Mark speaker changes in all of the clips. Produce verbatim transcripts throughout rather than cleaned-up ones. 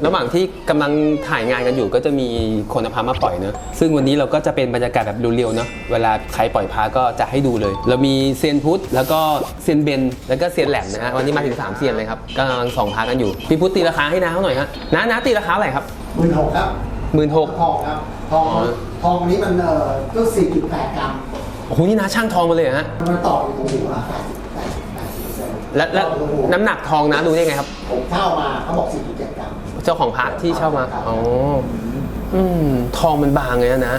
Speaker 1: ระหว่างที่กำลังถ่ายงานกันอยู่ก็จะมีคนเอาพระมาปล่อยเนอะซึ่งวันนี้เราก็จะเป็นบรรยากาศแบบเรียวๆเนอะเวลาใครปล่อยพระก็จะให้ดูเลย เรามีเซียนพุทธแล้วก็เซียนเบนแล้วก็เซียนแหลมนะฮะวันนี้มาถึงสามเซียนเลยครับกำลังส่องพระกันอยู่พี่พุทธตีราคาให้น้าเขาหน่อยฮะน้าน้าตีราคาอะไรครับ
Speaker 2: หมื่นหกครับ
Speaker 1: หมื่นหก
Speaker 2: ทองครับทองทองนี้มันเอ่อก็สี่จุดแปดกรัม
Speaker 1: โอ้โหนี่น้าช่างทองมาเลยเหรอฮะ
Speaker 2: มันต่ออยู่ตรงหัวแปดสิบแปดแปดสิบเปอร์เซ็นต์
Speaker 1: และและน้ำหนักทองนะรู้ได้ไงครับ
Speaker 2: ผมเช่ามาเขาบอกสี่จุดเจ็ดกรัม
Speaker 1: เจ้าของพระที่เช่ามาอ๋ออืมทองมันบางเลยนะนะ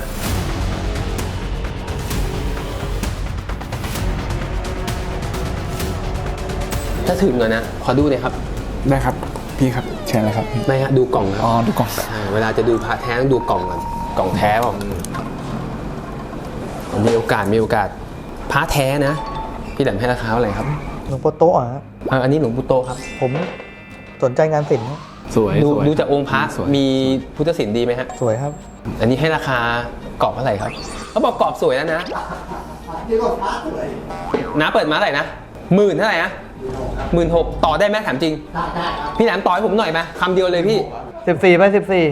Speaker 1: ถ้าถึงอะนะขอดูหน่อยครับ
Speaker 3: ได้ครับพี่ครับเชิญเลยครับพี่
Speaker 1: ไม่ฮะดูกล่องค
Speaker 3: อ๋
Speaker 1: รั
Speaker 3: อบ ดูก่อน
Speaker 1: ใช่เวลาจะดูพระแท้ต้องดูกล่องก่อนกล่องแท้เปล่ามีโอกาสมีโอกาสพระแท้นะพี่แหลมให้ราคาเท่าไหร่ครับ
Speaker 4: หลวงพ่อโตะฮะ
Speaker 1: เอ่ออันนี้หลวงปู่โตครับ
Speaker 4: ผมสนใจงานศิลป์ครับ
Speaker 3: สวย
Speaker 1: ดู
Speaker 3: สวย
Speaker 1: ดูจากองค์พระ
Speaker 3: สวย
Speaker 1: มีพุทธศิลป์ดีไหมฮะ
Speaker 4: สวยครับ
Speaker 1: อันนี้ให้ราคากรอบเท่าไหร่ครับเขาบอกกรอบสวยแล้วนะ
Speaker 2: นี่ก็ฟ้าสวย
Speaker 1: น้าเปิดมาเท่าไหร่นะหมื่นเท่าไหร่นะหมื่นหกต่อได้ไหมถามจริง
Speaker 2: ได้ได้ครับ
Speaker 1: พี่แหลมต่อให้ผมหน่อยไหมคำเดียวเลยพี่
Speaker 4: สิบสี่ไปสิบสี่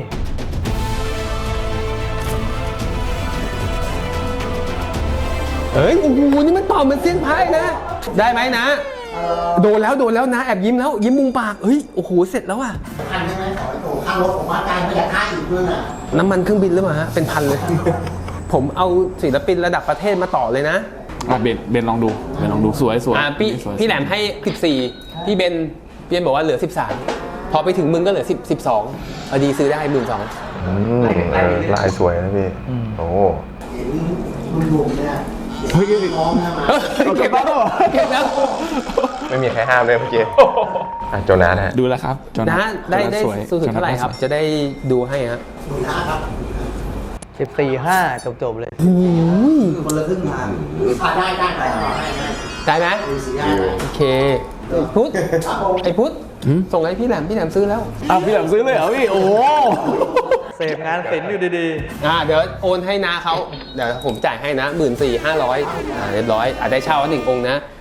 Speaker 1: เฮ้ยโอ้โหนี่มันต่อเหมือนเส้นพายนะ ได้ไหมนะ
Speaker 2: เอ่อ
Speaker 1: โดนแล้วโดนแล้วนะแอบยิ้มแล้วยิ้มมุมปากเฮ้ยโอ้โหเสร็จแล้วอ่ะ
Speaker 2: พันใช่ไหมขอให้โตค่ารถผมว่าได้ไม่อยากค่าอีกด้วยน่ะ
Speaker 1: น้ำมันเครื่องบินหรือเปล่าฮะเป็นพันเลย ผมเอาศิลปินระดับประเทศมาต่อเลยนะ
Speaker 3: อ่ะเบนเบนลองดูเบนลองดูสวยสวย
Speaker 1: อ่าพี่
Speaker 3: สวย
Speaker 1: พี่แหลมให้สิบสี่พี่เบนพี่เบนบอกว่าเหลือสิบสามพอไปถึงมึงก็เหลือสิบ สิบสองพอดีซื้อได้หมื่นสอง
Speaker 5: อืมเออลายสวยนะพี่ โอ้
Speaker 2: เห็นรุ่นรวมเนี่ยน้องนะมา
Speaker 1: เก็บแล้วเก็บแล้ว
Speaker 5: ไม่มีใครห้ามเลยเมื่อกี้อ่ะโจนาสฮะ
Speaker 3: ดูแล้วครับจอ
Speaker 1: นะได้ได้
Speaker 3: สวย
Speaker 1: สูงสุดเท่าไหร่ครับ จะได้ดูให้ฮะ
Speaker 2: หมื่นห้าครับ
Speaker 4: สิบสี่ห้าจบจบๆเลย
Speaker 2: คือคนละครึ่งทางอ่าได้ได้ได้ได้ได้
Speaker 1: ได้ไหม
Speaker 2: ดูสีได้ได้
Speaker 1: โอเคพุทธ
Speaker 2: ครับผม
Speaker 1: ไอ้พุทธส่งให้พี่แหลมพี่แหลมซื้อแล้ว
Speaker 3: อ้าวพี่แหลมซื้อเลยเหรอพี่โอ้โห
Speaker 4: เสพงานศิลป์อยู่ดี
Speaker 1: อ่าเดี๋ยวโอนให้นาเขาเดี๋ยวผมจ่ายให้นะหมื่นสี่ห้าร้อยอ่าเรียบร้อยอ่าได้เช่าหนึ่งองค์นะ